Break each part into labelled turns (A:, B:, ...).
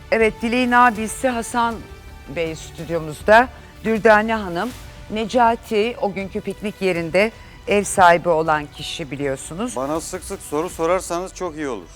A: Evet, Dileğin abisi Hasan Bey stüdyomuzda. Dürdane Hanım, Necati o günkü piknik yerinde ev sahibi olan kişi biliyorsunuz.
B: Bana sık sık soru sorarsanız çok iyi olur.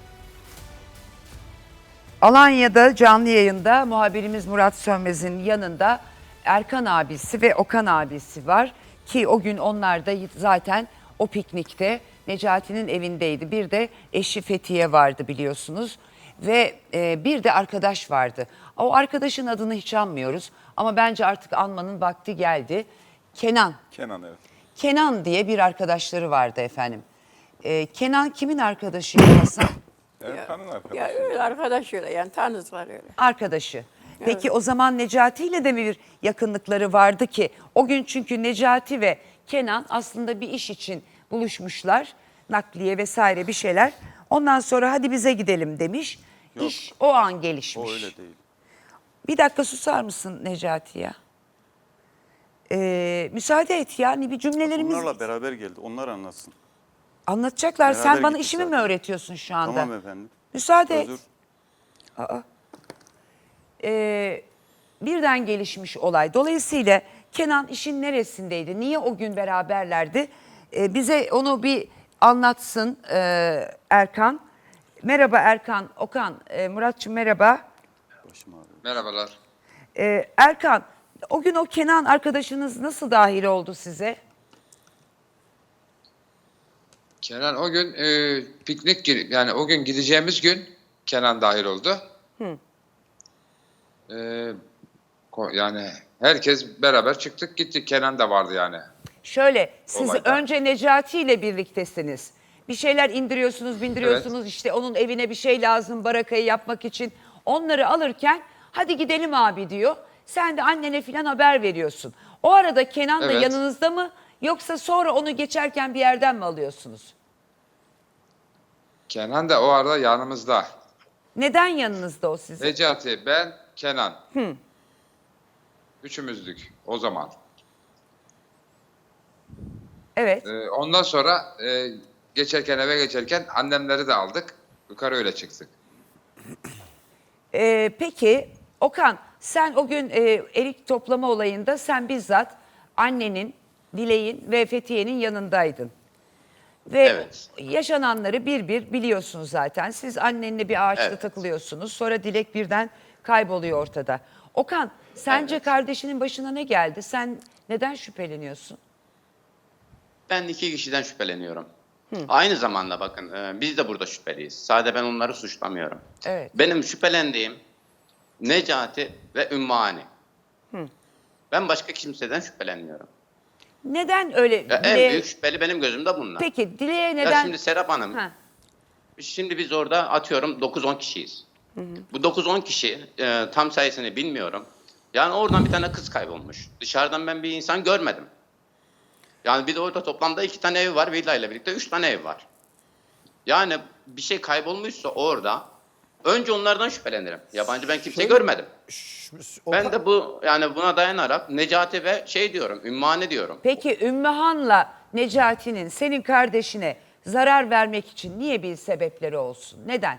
A: Alanya'da canlı yayında muhabirimiz Murat Sönmez'in yanında Erkan abisi ve Okan abisi var. Ki o gün onlar da zaten o piknikte Necati'nin evindeydi. Bir de eşi Fethiye vardı biliyorsunuz. Ve bir de arkadaş vardı. O arkadaşın adını hiç anmıyoruz ama bence artık anmanın vakti geldi. Kenan.
B: Kenan, evet.
A: Kenan diye bir arkadaşları vardı efendim. Kenan kimin arkadaşıydı Hasan?
B: Erkan'ın arkadaşı.
C: Ya öyle arkadaş öyle yani tanıdılar öyle.
A: Arkadaşı. Peki o zaman Necati ile de mi bir yakınlıkları vardı ki? O gün çünkü Necati ve Kenan aslında bir iş için buluşmuşlar. Nakliye vesaire bir şeyler. Ondan sonra hadi bize gidelim demiş.
B: Yok.
A: İş o an gelişmiş.
B: O öyle değil.
A: Bir dakika susar mısın Necati ya? Müsaade et yani bir cümlelerimiz...
B: Onlarla beraber geldi. Onlar anlatsın.
A: Anlatacaklar. Sen
B: Beraber
A: bana
B: gittik
A: işimi mi
B: zaten.
A: öğretiyorsun şu anda?
B: Tamam efendim.
A: Müsaade et.
B: Özür.
A: Birden gelişmiş olay. Dolayısıyla Kenan işin neresindeydi? Niye o gün beraberlerdi? Bize onu bir anlatsın Erkan. Merhaba Erkan, Okan, Muratçım merhaba.
B: Başım ağrıyor.
D: Merhabalar.
A: Erkan, o gün o Kenan arkadaşınız nasıl dahil oldu size?
D: Kenan o gün yani o gün gideceğimiz gün Kenan dahil oldu. Yani herkes beraber çıktık gittik. Kenan da vardı yani.
A: Şöyle, siz
D: Olayda.
A: önce Necati ile birliktesiniz. Bir şeyler indiriyorsunuz, bindiriyorsunuz.
D: Evet.
A: İşte onun evine bir şey lazım barakayı yapmak için. Onları alırken hadi gidelim abi diyor. Sen de annene falan haber veriyorsun. O arada Kenan da
D: Evet.
A: yanınızda mı? Yoksa sonra onu geçerken bir yerden mi alıyorsunuz?
D: Kenan da o arada yanımızda.
A: Neden yanınızda o sizin?
D: Necati, ben, Kenan. Üçümüzdük o zaman.
A: Evet.
D: Ondan sonra eve geçerken annemleri de aldık. Yukarı öyle çıktık.
A: Peki Okan sen o gün erik toplama olayında sen bizzat annenin, Dilek'in ve Fethiye'nin yanındaydın. Ve
E: Evet.
A: yaşananları bir bir biliyorsunuz zaten. Siz annenle bir ağaçta
E: Evet.
A: takılıyorsunuz. Sonra Dilek birden kayboluyor ortada. Okan sence
E: Evet.
A: kardeşinin başına ne geldi? Sen neden şüpheleniyorsun?
E: Ben iki kişiden şüpheleniyorum. Aynı zamanda bakın biz de burada şüpheliyiz. Sadece ben onları suçlamıyorum.
A: Evet.
E: Benim şüphelendiğim Necati ve Ümmühane. Ben başka kimseden şüphelenmiyorum.
A: Neden öyle?
E: Ya en
A: Dilek'e-
E: büyük şüpheli benim gözümde bunlar.
A: Peki Dilek'e
E: Ya
A: neden?
E: şimdi Serap Hanım,
A: Ha.
E: şimdi biz orada atıyorum 9-10 kişiyiz. Bu 9-10 kişi tam sayısını bilmiyorum. Yani oradan bir tane kız kaybolmuş. Dışarıdan ben bir insan görmedim. Yani bir de orada toplamda 2 tane ev var. Villa ile birlikte 3 tane ev var. Yani bir şey kaybolmuşsa orada önce onlardan şüphelenirim. Yabancı ben kimse görmedim. Ben de buna dayanarak Necati ve diyorum, Ümmühane diyorum.
A: Peki Ümmühan'la Necati'nin senin kardeşine zarar vermek için niye bir sebepleri olsun? Neden?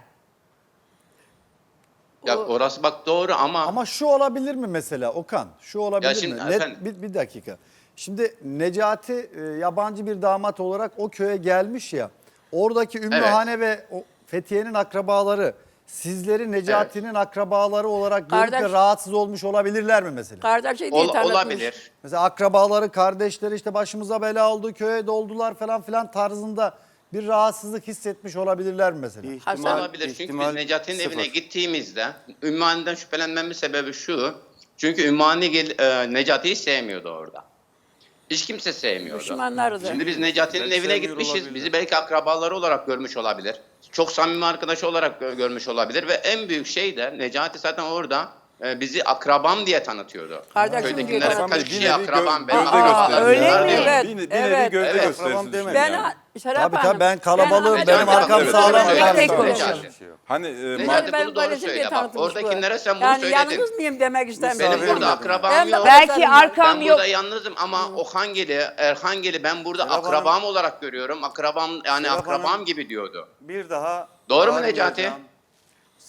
E: Ya orası bak doğru ama
F: Ama şu olabilir mi mesela Okan? Şu olabilir
E: Ya şimdi
F: mi?
E: efendim-
F: Bir dakika. Şimdi Necati yabancı bir damat olarak o köye gelmiş ya. Oradaki Ümmühane ve o Fethiye'nin akrabaları sizleri Necati'nin akrabaları olarak görüp de
C: Kardeş-
F: rahatsız olmuş olabilirler mi mesela?
C: Kardeşi diye tanıtmış.
E: olabilir.
F: Mesela akrabaları, kardeşleri işte başımıza bela oldu, köye doldular falan filan tarzında bir rahatsızlık hissetmiş olabilirler mi mesela?
C: Hasan-
E: Olabilir çünkü
B: ihtimal
E: biz Necati'nin
B: sıfır.
E: evine gittiğimizde Ümmühane'den şüphelenmemin sebebi şu. Çünkü Ümmühane Necati'yi sevmiyordu orada. Hiç kimse sevmiyordu.
C: Düşmanlardı.
E: Şimdi biz Necati'nin
B: Belki
E: evine
B: sevmiyor
E: gitmişiz.
B: olabilir.
E: Bizi belki akrabaları olarak görmüş olabilir. Çok samimi arkadaşı olarak görmüş olabilir. Ve en büyük şey de Necati zaten orada bizi akrabam diye tanıtıyordu.
C: Kardeşim diye
E: Köydekilere
C: tanıtıyor.
E: kaç
B: Bir
E: kişi
B: nevi
E: akrabam benim
B: gövde
E: akrabam.
A: gösterisi. Öyle
E: Bunlar
A: mi?
E: değil.
C: Evet,
B: Bir nevi
C: evet.
B: gövde
E: Evet.
B: gösterisi. Akrabam demeyin
C: Ben
B: yani.
C: Serap
F: Tabii
C: Hanım,
F: tabii ben kalabalığım,
E: ben-
F: benim arkam
E: Evet,
F: sağlam.
E: evet,
A: Tek tek
F: tarzında.
A: konuşalım.
B: Hani
E: Necati
C: ben
E: bunu doğru
C: böylesi diye
E: söyle bak.
C: tanıtmış bu.
E: Oradakilere sen bunu
C: yani
E: söyledin.
C: yalnız mıyım demek istemiyorum.
E: Benim
B: Misafir
E: burada
B: mi?
E: akrabam
C: Ben de
E: yok.
A: Belki
C: Ben
A: arkam
E: Ben
A: yok.
E: burada yalnızım ama Ohangeli, Erhangeli ben burada
B: Serap
E: akrabam
B: Hanım-
E: olarak görüyorum. Akrabam
B: Serap
E: akrabam
B: Hanım-
E: gibi diyordu.
B: Bir daha
E: Doğru mu
B: bağırmayacağım.
E: Necati?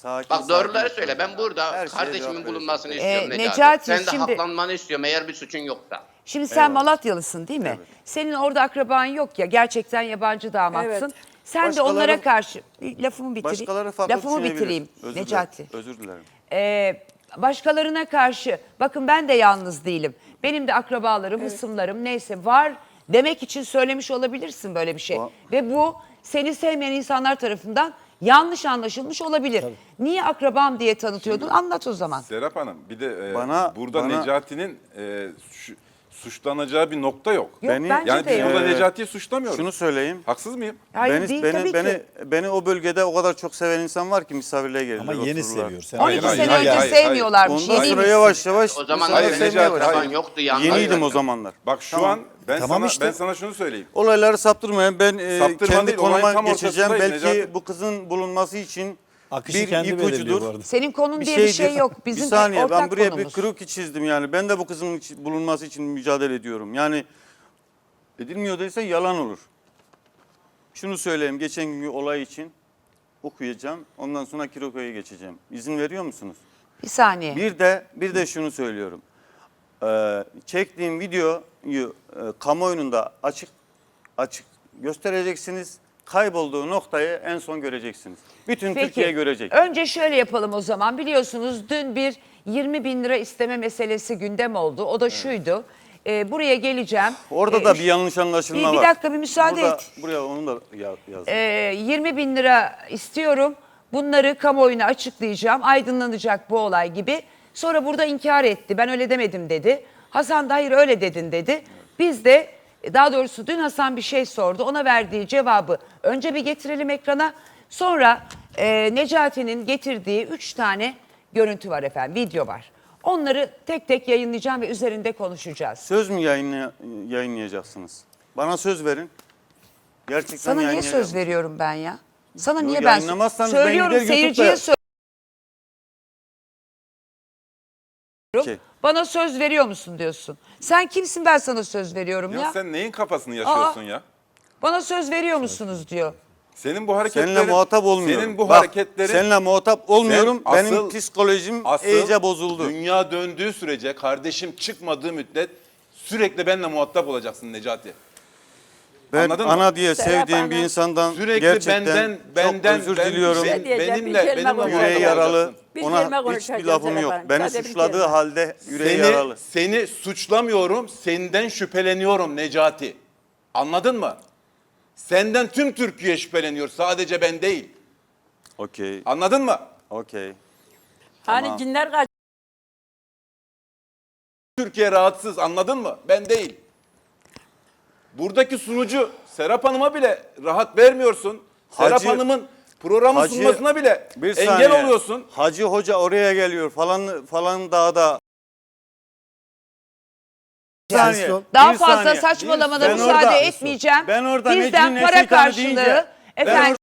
B: Sakin,
E: Bak doğruları
B: sakin
E: söyle. Ben burada
B: Her şeye cevap
E: kardeşimin
B: veriyorsun.
E: bulunmasını istiyorum Necati.
A: Necati,
E: Sen de
A: şimdi-
E: haklanmanı istiyorum eğer bir suçun yoksa.
A: Şimdi sen Malatyalısın değil mi? Senin orada akraban yok ya, gerçekten yabancı damatsın.
C: Evet.
A: Sen de
B: Başkaları-
A: onlara karşı, lafımı bitireyim.
B: Başkaları farklı
A: Lafımı
B: düşünebilir.
A: bitireyim
B: Özür
A: Necati.
B: dilerim. Özür dilerim.
A: Başkalarına karşı, bakın ben de yalnız değilim. Benim de akrabalarım, hısımlarım neyse var demek için söylemiş olabilirsin böyle bir şey. Ve bu seni sevmeyen insanlar tarafından yanlış anlaşılmış olabilir. Niye akrabam diye tanıtıyordun? Anlat o zaman.
G: Serap Hanım bir de burada
B: bana-
G: Necati'nin suçlanacağı bir nokta yok.
A: Yok
B: Beni-
A: bence
G: Yani
A: de
G: biz
A: yok.
G: burada Necati'yi suçlamıyoruz.
B: Şunu söyleyeyim.
G: Haksız mıyım?
A: Hayır değil tabii ki.
B: Beni o bölgede o kadar çok seven insan var ki misafirliğe gelirler.
F: Ama yeni
B: otururlar.
F: seviyor. Sen
A: 12
G: Hayır,
A: sene
G: hayır,
A: önce
G: hayır,
A: sevmiyorlarmış.
B: Ondan sonra
A: Yeniymişsin.
B: yavaş yavaş
E: O zaman
G: Hayır,
E: senin
G: Necati,
E: akraban
G: hayır.
E: yoktu. Yalnız
B: yeniydim o
E: ayrıldın.
B: zamanlar.
G: Bak şu
B: Tamam.
G: an ben
F: Tamam işte.
G: ben sana şunu söyleyeyim.
B: Olayları saptırmayın. Ben
G: Saptırma
B: kendi
G: değil, olayın
B: konuma
G: tam
B: geçeceğim.
G: ortasındayım
B: Belki
G: Necati.
B: bu kızın bulunması için
F: akışı
B: bir
F: kendi belirliyor bu
B: ipucudur.
F: arada.
A: Senin konun diye bir şey yok. Bizim
B: bir saniye
A: ortak
B: ben buraya
A: konumuz.
B: bir kroki çizdim yani. Ben de bu kızın bulunması için mücadele ediyorum. Yani edilmiyor değilse yalan olur. Şunu söyleyeyim, geçen günkü olay için okuyacağım. Ondan sonra krokoya geçeceğim. İzin veriyor musunuz?
A: Bir saniye.
B: Bir de şunu söylüyorum. Çektiğim videoyu kamuoyunda açık göstereceksiniz. Kaybolduğu noktayı en son göreceksiniz. Bütün Türkiye görecek.
A: Önce şöyle yapalım o zaman. Biliyorsunuz dün bir 20 bin lira isteme meselesi gündem oldu. O da şuydu. Buraya geleceğim.
B: Orada da bir yanlış anlaşılma
A: bir
B: var.
A: dakika, bir müsaade et.
B: Buraya onu da yazdım.
A: 20 bin lira istiyorum. Bunları kamuoyuna açıklayacağım. Aydınlanacak bu olay gibi. Sonra burada inkar etti. Ben öyle demedim dedi. Hasan da hayır öyle dedin dedi. Biz de daha doğrusu dün Hasan bir şey sordu. Ona verdiği cevabı önce bir getirelim ekrana. Sonra Necati'nin getirdiği 3 tane görüntü var efendim. Video var. Onları tek tek yayınlayacağım ve üzerinde konuşacağız.
B: Söz mü yayınlayacaksınız? Bana söz verin. Gerçekten
A: Sana niye
B: yayınlayacağım.
A: söz veriyorum ben ya? Sana
B: Yo,
A: niye ben
B: yayınlamazsanız ben
A: söylüyorum,
B: gider YouTube'da-
A: seyirciye söylüyorum.
B: Peki.
A: Bana söz veriyor musun diyorsun. Sen kimsin, ben sana söz veriyorum ya.
G: Ya sen neyin kafasını yaşıyorsun ya?
A: Bana söz veriyor musunuz diyor.
G: Senin bu hareketlerin...
B: Seninle muhatap olmuyorum.
G: Senin bu
B: Bak,
G: hareketlerin...
B: Seninle muhatap olmuyorum.
G: Sen
B: Benim
G: asıl-
B: psikolojim
G: Asıl
B: iyice bozuldu.
G: dünya döndüğü sürece, kardeşim çıkmadığı müddet sürekli benimle muhatap olacaksın Necati.
B: Ben
G: Anladın mı?
B: ana diye
C: Serap
B: sevdiğim bir
C: Hanım.
B: insandan
G: Sürekli
B: gerçekten
G: benden
B: çok özür diliyorum.
C: Ben diyeceğim, bir
G: benimle
C: kelime
G: muhatap
C: konuşalım.
B: Yüreği yaralı.
G: olacaksın.
C: Bir
B: Ona
C: kelime
B: hiçbir
C: konuşacağız
B: lafım
C: Serap
B: yok.
C: Hanım.
B: Beni
C: Sadece bir
B: suçladığı
C: kelime.
B: halde yüreği yaralı.
G: Seni suçlamıyorum, senden şüpheleniyorum Necati. Anladın mı? Senden tüm Türkiye şüpheleniyor, sadece ben değil.
B: Okey.
G: Anladın mı?
B: Okey.
C: Hani
B: Tamam.
C: cinler kaç.
G: Türkiye rahatsız, anladın mı? Ben değil. Buradaki sunucu Serap Hanım'a bile rahat vermiyorsun. Serap
B: Hacı-
G: Hanım'ın programı
B: Hacı-
G: sunmasına bile
B: Bir
G: engel
B: saniye.
G: oluyorsun.
B: Hacı Hoca oraya geliyor falan dağda. Bir saniye,
A: Daha
B: bir
A: fazla
B: saniye.
A: saçmalamana
B: Ben
A: müsaade
B: orada-
A: etmeyeceğim.
B: Ben orada
A: Bizden
B: Necmi
A: para
B: Neşitan'ı
A: karşılığı
B: deyince- ben
A: efendim.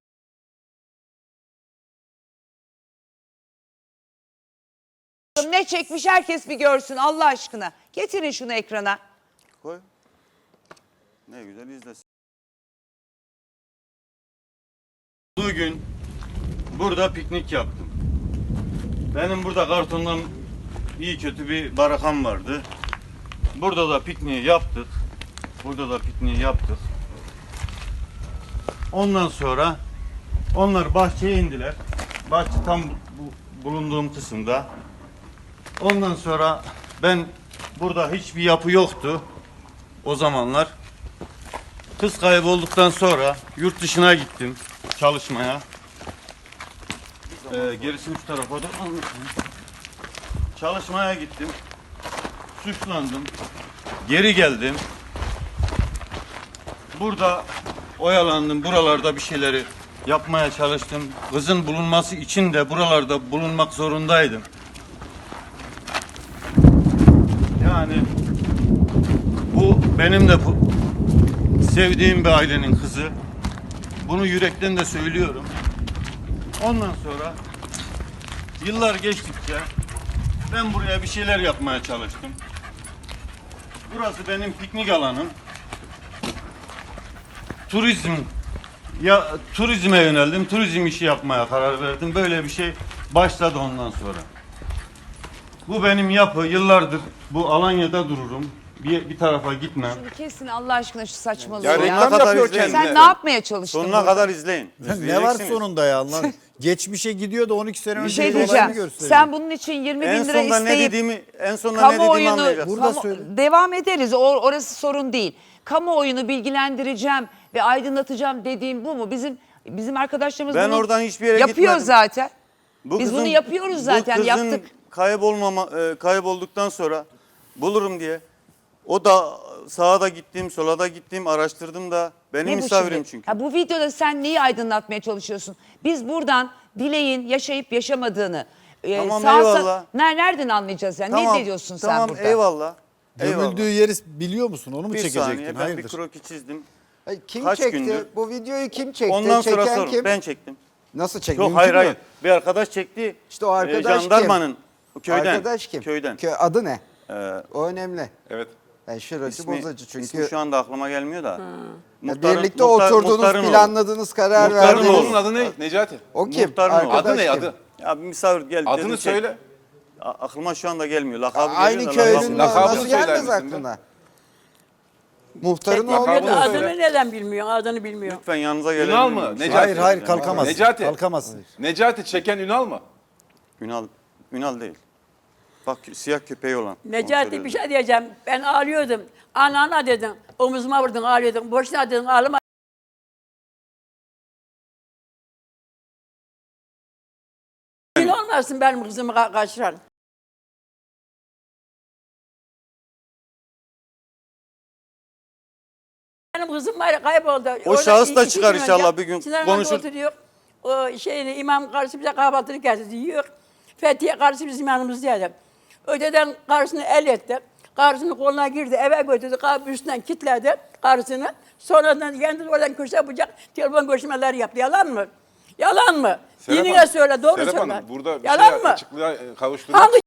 A: Ne çekmiş herkes bir görsün Allah aşkına. Getirin şunu ekrana.
B: Koy. Ne güzel izlesin. Bugün burada piknik yaptım. Benim burada kartondan iyi kötü bir barakam vardı. Burada da pikniği yaptık. Ondan sonra onlar bahçeye indiler. Bahçe tam bulunduğum kısımda. Ondan sonra ben burada hiçbir yapı yoktu o zamanlar. Kız kaybolduktan sonra yurt dışına gittim çalışmaya. Gerisini şu tarafa da anlatayım. Çalışmaya gittim. Suçlandım. Geri geldim. Burada oyalandım. Buralarda bir şeyleri yapmaya çalıştım. Kızın bulunması için de buralarda bulunmak zorundaydım. Yani bu benim de sevdiğim bir ailenin kızı. Bunu yürekten de söylüyorum. Ondan sonra yıllar geçtikçe ben buraya bir şeyler yapmaya çalıştım. Burası benim piknik alanım. Turizme yöneldim. Turizm işi yapmaya karar verdim. Böyle bir şey başladı ondan sonra. Bu benim yapı. Yıllardır bu Alanya'da dururum. Bir tarafa gitmem.
A: Şimdi kesin Allah aşkına şu saçmalığı
G: Ya
A: ya.
G: reklam
B: kadar
G: yapıyor
B: izleyin.
G: kendine.
A: Sen ne yapmaya çalıştın?
B: Sonuna
A: burada?
B: kadar izleyin.
F: Ne var
B: İzleyeceksiniz.
F: sonunda ya Allah? Geçmişe gidiyor da 12 sene
A: Bir
F: önce
A: şey
F: olayını
A: diyeceğim.
F: gösteriyor.
A: Sen bunun için 20
B: En
A: bin lira
B: sonunda ne
A: isteyip
B: dediğimi, en sonunda ne dediğimi
A: kamuoyunu
B: anlayacaksın.
F: Burada söyle.
A: devam ederiz. Orası sorun değil. Kamuoyunu bilgilendireceğim ve aydınlatacağım dediğim bu mu? Bizim arkadaşlarımız
B: Ben
A: bunu
B: oradan hiçbir yere
A: yapıyor
B: gitmedim.
A: zaten.
B: Bu
A: Biz
B: kızın-
A: bunu yapıyoruz zaten,
B: bu kızın
A: yaptık.
B: kaybolduktan sonra bulurum diye. O da sağa da gittim, sola da gittim, araştırdım da. Benim
A: Ne bu
B: misafirim
A: şimdi?
B: çünkü.
A: Ha, bu videoda sen neyi aydınlatmaya çalışıyorsun? Biz buradan Dilek'in yaşayıp yaşamadığını
B: Tamam, eyvallah.
A: nereden anlayacağız yani? Ne diyorsun sen
B: tamam,
A: burada?
B: eyvallah. Eyvallah.
F: Gömüldüğü yeri biliyor musun? Onu mu
B: Bir
F: çekecektin?
B: saniye, ben
F: Hayırdır?
B: bir kroki çizdim.
H: Ay, kim
B: Kaç
H: çekti?
B: gündür?
H: Bu videoyu kim çekti?
B: Ondan sonra
H: Çeken
B: sorun.
H: kim?
B: Ben çektim.
H: Nasıl çekti?
B: Yok,
H: Mümkün
B: hayır
H: mü?
B: hayır. Bir arkadaş çekti.
H: İşte o arkadaş
B: jandarmanın köyden.
H: Arkadaş kim?
B: Köyden.
H: Adı ne?
B: Ee,
H: O önemli.
G: Evet.
H: Yani şurası
B: ismi,
H: bozacı çünkü.
B: ismi şu anda aklıma gelmiyor da.
H: Ya
B: Muhtarın-
H: birlikte
B: muhtar-
H: oturdunuz,
B: muhtarın oğlu.
H: planladınız, karar
B: Muhtarın
H: verdiniz.
B: oğlu.
G: Onun adı ne Necati?
H: O kim?
B: Muhtarın oğlu.
H: Arkadaş
G: Adı ne
H: kim?
G: adı?
B: Ya bir misafir geldi.
G: Adını
B: dedim, çek.
G: söyle.
B: Aklıma şu anda gelmiyor. Lakabı
H: Aynı
B: geliyor da
H: köylünün
G: lakabını
H: nasıl
G: söyler
H: gelmez
G: misin be?
H: aklına? Muhtarın oğlu
G: lakabını
H: da.
G: söyle.
C: Adını neden bilmiyorsun? Adını bilmiyor.
B: Lütfen yanınıza gelebilir
G: Ünal
B: miyim?
G: mı?
B: Bir şey
G: Necati.
F: Hayır hayır
B: söyleyeceğim.
F: kalkamaz.
G: Necati.
F: Kalkamaz.
G: Necati çeken Ünal mı?
B: Ünal değil. Bak siyah köpeği olan. Onu
C: Necati
B: söylüyorum.
C: bir şey diyeceğim. Ben ağlıyordum. Ana dedin. Omuzuma vurdun ağlıyordun. Boşuna dedin ağlama. Gün olmasın benim kızımı kaçıran. Benim kızım var kayboldu.
B: O
C: Orada
B: şahıs da
C: 2
B: çıkar
C: gün
B: inşallah
C: önce
B: bir gün.
C: Sinan'la
B: Konuşur.
C: oturuyor. O şeyini imam karşı bize kahvaltını getirdi yiyor. Fethiye karşı bizim yanımızdaydı. Öteden karşısını el etti. Karşısının koluna girdi, eve götürdü, kapı üstünden kilitledi karşısını. Sonradan kendi oradan köşe bıçak telefon görüşmeleri yaptı. Yalan mı? Yalan mı?
G: Serap
C: Dinine
G: Hanım,
C: söyle, doğru
G: Serap
C: söyle.
G: Hanım, burada bir
C: Yalan
G: şey
C: mı?
G: açıklığa kavuşturmak
C: Hangi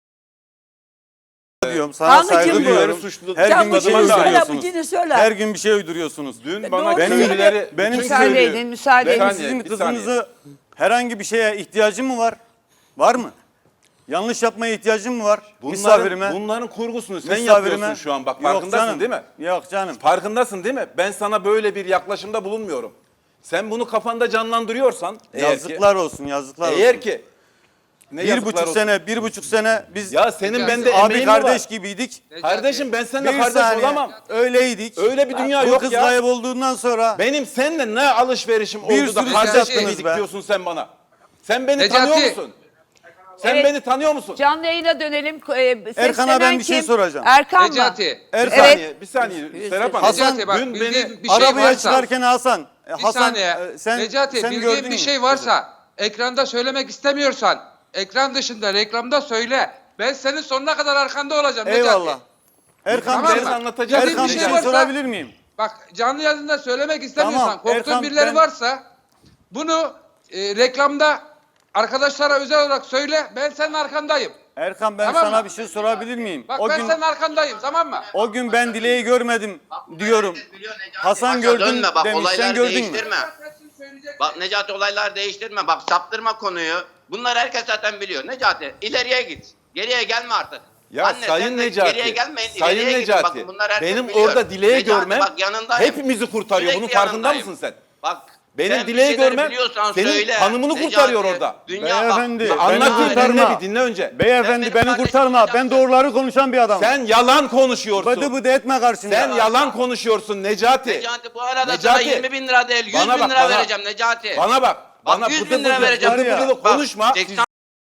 B: Diyorum, sana
C: Hangi
B: saygı
C: kim bu?
B: duyuyorum.
G: Suçlu-
B: Her
C: Sen
B: gün
C: bu
B: bir şey
C: cini söyle, bu
B: uyduruyorsunuz.
C: cini söyle.
B: Her gün bir şey uyduruyorsunuz.
G: Dün
C: Doğru
G: bana
C: söyle.
G: köylüleri...
B: Benim
G: bütün
B: müsaade
G: köylü-
A: edin, müsaade
B: Benim
A: edin.
B: sizin
G: bir saniye.
B: kızınızı herhangi bir şeye ihtiyacım mı var? Var mı? Yanlış yapmaya ihtiyacım mı var? Misafirime.
G: Bunların kurgusunu sen
B: misafirime.
G: yapıyorsun şu an bak
B: Yok
G: farkındasın
B: canım,
G: değil mi?
B: Yok canım.
G: Farkındasın değil mi? Ben sana böyle bir yaklaşımda bulunmuyorum. Sen bunu kafanda canlandırıyorsan
B: Yazıklar olsun, yazıklar olsun.
G: eğer ki ne
B: bir
G: yazıklar
B: buçuk
G: olsun?
B: sene, 1,5 sene biz
G: Ya senin bende
B: abi
G: emeğin mi var?
B: kardeş gibiydik.
G: Kardeşim ben seninle
B: Bir
G: kardeş
B: saniye
G: olamam.
B: öyleydik.
G: Öyle bir dünya
B: Bu
G: yok
B: kız
G: ya.
B: kaybolduğundan sonra
G: Benim seninle ne alışverişim
B: Bir
G: oldu da
B: sürü
G: kardeş
B: şey
G: gibiydik
B: yaptınız be.
G: diyorsun sen bana. Sen beni
I: Necati.
G: tanıyor musun? Sen
A: Evet.
G: beni tanıyor musun?
A: Canlı yayına dönelim.
B: Erkan'a ben bir şey
A: kim?
B: soracağım.
A: Erkan mı?
I: Necati.
G: Bir
B: Erkan,
G: saniye, bir saniye. Serap Hanım.
B: Hasan,
I: Necati bak
G: dün
I: bildiğin
G: beni
I: bir şey
B: arabaya
I: varsa.
B: çıkarken Hasan.
I: Bir
B: Hasan
I: saniye.
B: sen,
I: Necati
B: sen
I: bildiğin
B: gördün
I: bir
B: mü?
I: şey varsa ekranda söylemek istemiyorsan ekran dışında reklamda söyle. Ben senin sonuna kadar arkanda olacağım Necati.
B: Eyvallah. Erkan,
I: Tamam
B: ben,
I: mı?
G: anlatacağım.
I: Bildiğin
B: Erkan
I: bir
B: bir
I: şey
B: şey
I: varsa
B: sorabilir miyim?
I: bak canlı yayında söylemek istemiyorsan
B: Tamam,
I: korktuğun
B: Erkan,
I: birileri varsa bunu reklamda arkadaşlara özel olarak söyle. Ben senin arkandayım.
B: Erkan ben
I: Tamam
B: sana
I: mı?
B: bir şey sorabilir miyim?
I: Bak
B: O
I: ben
B: gün
I: senin arkandayım tamam mı?
B: o gün ben Dileği görmedim diyorum. Hasan gördün
E: dönme, bak,
B: demiş. Sen
E: olaylar
B: gördün mü?
E: değiştirme. Bak Necati olaylar değiştirme. Bak saptırma konuyu. Bunları herkes zaten biliyor. Necati ileriye git. Geriye gelme artık.
G: Ya
E: Anne,
G: Sayın
E: sen de
G: Necati,
E: geriye gelmeyin,
G: Sayın
E: ileriye gidin.
G: Necati,
E: Bakın bunlar herkes
G: benim
E: biliyor.
G: orada Dileği
E: Necati,
G: görmem
E: bak yanındayım.
G: hepimizi kurtarıyor.
E: Sürekli
G: Bunun farkında
E: yanındayım.
G: mısın sen?
E: Bak
G: Benim
E: sen bir
G: Dileği
E: şeyleri
G: görmem
E: biliyorsan
G: senin
E: söyle.
G: hanımını
E: Necati,
G: kurtarıyor orada.
E: Dünya
B: Beyefendi,
E: bak.
B: beni
G: Anlatayım
B: kurtarma.
G: dinle bir dinle önce.
B: Beyefendi
E: Sen
B: beni
E: benim
B: kurtarma.
E: kardeşim
B: Ben doğruları konuşan bir adamım.
G: Sen yalan konuşuyorsun.
B: Bıdı bıdı etme karşımda.
G: Sen yalan konuşuyorsun Necati.
E: Necati bu arada
G: Necati,
E: sana 20 bin lira değil 100
G: bana
E: bin
G: bak,
E: lira
G: bana.
E: vereceğim Necati.
G: Bana bak. Bana
E: 100
G: bıdı
E: bin lira
G: bıdı,
E: vereceğim.
G: bıdı bıdı
E: Bak,
G: konuşma.
E: 80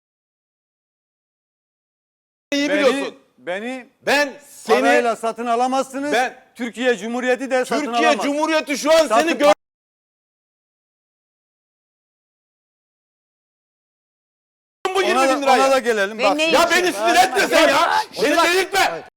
G: İyi biliyorsun.
B: Beni
G: Ben seni
B: parayla satın alamazsınız.
G: Ben-
B: Türkiye Cumhuriyeti de satın
G: Türkiye
B: alamaz.
G: Cumhuriyeti şu an
B: Satın-
G: seni gör bu 20
B: Ona
G: bin lirayı.
B: da gelelim.
A: Ve
B: Bak.
A: ne
G: Ya
A: için?
G: beni sinir etme sen ya. Beni delirtme.